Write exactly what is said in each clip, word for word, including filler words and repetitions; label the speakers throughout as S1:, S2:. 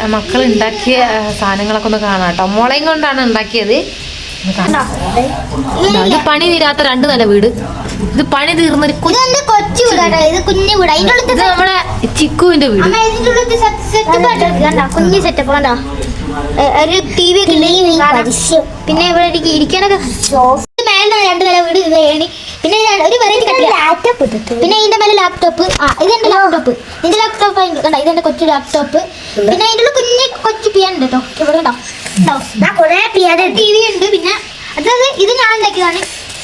S1: മക്കൾ ഉണ്ടാക്കിയ സാധനങ്ങളൊക്കെ ഒന്ന് കാണാം കേട്ടോ. മുളയും കൊണ്ടാണ് ഉണ്ടാക്കിയത്. ഇത് പണി തീരാത്ത രണ്ട് നില വീട്. ഇത് പണി തീർന്നൊരു
S2: കൊച്ചു വീടാണ്. ഇത് കുഞ്ഞു വീട്.
S1: ഇത് നമ്മുടെ ചിക്കുവിന്റെ വീട്.
S2: കുഞ്ഞു സെറ്റപ്പ് കണ്ടോ. ഒരു ടി വി പിന്നെ ഇവിടെ ഇരിക്കാനൊക്കെ മേലെ രണ്ട് നില വീട്. ഇത് ഏണി. പിന്നെ ഒരു വെറൈറ്റി ലാപ്ടോപ്പ്. പിന്നെ ഇതിന്റെ മേലെ ലാപ്ടോപ്പ്. ആ ഇതെന്റെ ലാപ്ടോപ്പ്. ഇതിന്റെ ലാപ്ടോപ്പ് കണ്ടോ. ഇതെന്റെ കൊച്ചു ലാപ്ടോപ്പ്. പിന്നെ അതിൻ്റെ കുഞ്ഞു കൊച്ചു പിയാൻ ഉണ്ട് കേട്ടോ. ഇവിടെ കണ്ടോ ടി വി ഉണ്ട്. പിന്നെ അതായത് ഇത് ഞാൻ ഉണ്ടാക്കിയതാണ്.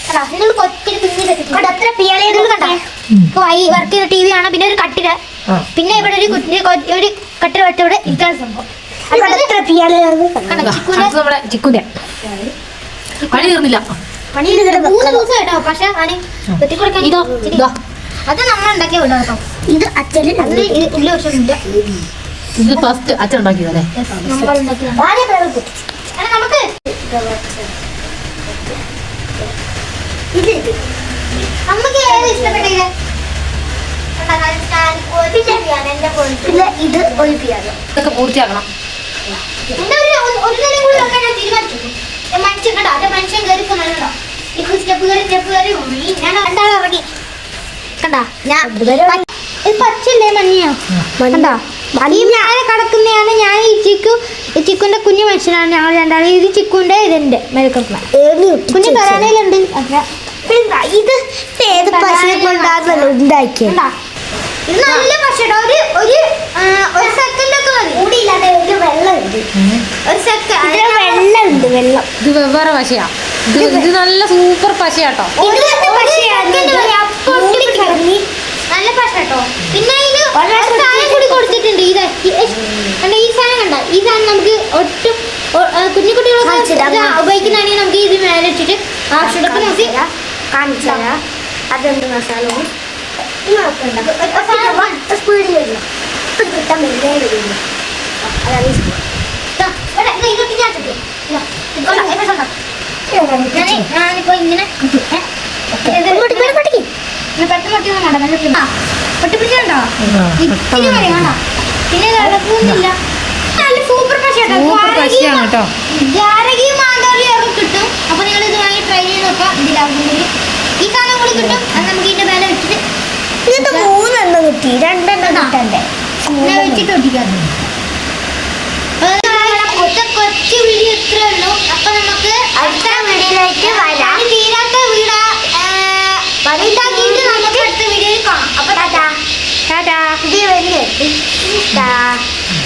S2: വർക്ക് ചെയ്യുന്ന ടി വി ആണ്. പിന്നെ ഒരു കട്ടില. പിന്നെ ഇവിടെ ഒരു കുഞ്ഞ് ഒരു കട്ടില വെച്ച ഇവിടെ ഇരിക്കാൻ സംഭവം.
S1: ചിക്കുന്റെ പണി തീർന്നില്ല.
S2: മൂന്ന് ദിവസം കേട്ടോ. പക്ഷെ ഇതോ ഇതോ അത് നമ്മൾ ഉണ്ടാക്കിയ വീടാ കേട്ടോ. ഇത് അച്ഛന് അതിന് ഇല്ല വർഷമില്ല.
S1: ഇത് ഫസ്റ്റ് അച്ഛൻ ഉണ്ടാക്കിയതല്ലേ.
S2: നമുക്ക് നമുക്ക് ഏത് ഇഷ്ടപ്പെട്ടില്ല. ഇത്
S1: ഇതൊക്കെ പൂർത്തിയാക്കണം.
S2: മനുഷ്യൻ കണ്ടോ. മനുഷ്യൻ കയറി കണ്ടോ. സ്റ്റെപ്പ് കയറി സ്റ്റെപ്പ് കയറി ഞാൻ രണ്ടാളും ഇറങ്ങി കണ്ടാ. ഞാൻ പച്ചല്ലേ മഞ്ഞയോ കണ്ടോ. ഈ ഞാനെ കിടക്കുന്നതാണ്. ഞാൻ ഈ ചിക്കു ചിക്കുന്റെ കുഞ്ഞു മനുഷ്യനാണ്. ഞങ്ങൾ രണ്ടാളും. ഇത് ചിക്കുന്റെ ഇതിന്റെ മെഴുക്കുന്ന കുഞ്ഞു കരാനയിലുണ്ട്. ഇത് ഏത് പശുവിനെ കൊണ്ടാണല്ലോ ഉണ്ടാക്കിയത്. ഇത് നല്ല പശയുടെ ഒരു ഒരു ഒരു സെക്കൻഡ് ഒക്കെ മതി. കൂടിയില്ലാതെ ഒരു വെള്ളം ഉണ്ട്. ഒരു സെക്കൻഡ് വെള്ളം ഉണ്ട്. വെള്ളം
S1: ഇത് വെവ്വേറെ പശയാ. ഇത് ഇത് നല്ല സൂപ്പർ പശയാട്ടോ.
S2: നല്ല പശ കേട്ടോ. പിന്നെ ഇതിന് സാധനം കൂടി കൊടുത്തിട്ടുണ്ട്. ഇത് കണ്ട ഈ സാധനം കണ്ട. ഈ സാധനം നമുക്ക് ഒട്ടും കുഞ്ഞു കുട്ടികളൊക്കെ ഉപയോഗിക്കുന്നതാണെങ്കിൽ നമുക്ക് ഇത് മേലെ ഇട്ടിട്ട് ആവശ്യമുള്ളപ്പോൾ നമുക്ക് കാണിച്ചു തരാം. അതെന്ത് മസാലവും സ്പീഡിൽ വരില്ല. കിട്ടാൻ വെറുതെ വരുന്നു. അതാണ് ഞാനിപ്പോ ഇങ്ങനെ പൊട്ടിപ്പിടിച്ചുണ്ടോ. ഇത്തിരി മതി വേണ്ട. പിന്നെ ഇളക്കൊന്നുമില്ല. നല്ല സൂപ്പർ പശയാണ് കേട്ടോ. ജാരകയും മാന്തോളിയും ഒക്കെ കിട്ടും. അപ്പൊ നിങ്ങൾ ഇത് വാങ്ങി ട്രൈ ചെയ്ത് നോക്കാം. ഇതിലാവുന്നെങ്കിൽ ഈ സാധനം കൂടി കിട്ടും. അത് നമുക്ക് ഇതിന്റെ മേലെ വെച്ചിട്ട് ഇത് മൂന്നെണ്ണം കിട്ടി. രണ്ടെണ്ണം കിട്ടണ്ടേ വെച്ചിട്ട് ഒട്ടിക്കാം. കൊച്ചു വീഡിയോ ഇത്രേ ഉള്ളൂ. അപ്പൊ നമുക്ക് അടുത്ത വീഡിയോയിലേക്ക് വരാം. തീരാത്ത വീടാ വലുതാക്കിയിട്ട് നമുക്ക് അടുത്ത വീഡിയോയിൽ കാണാം. അപ്പൊ ടാറ്റാ ടാറ്റാ. ഇത് വലിയ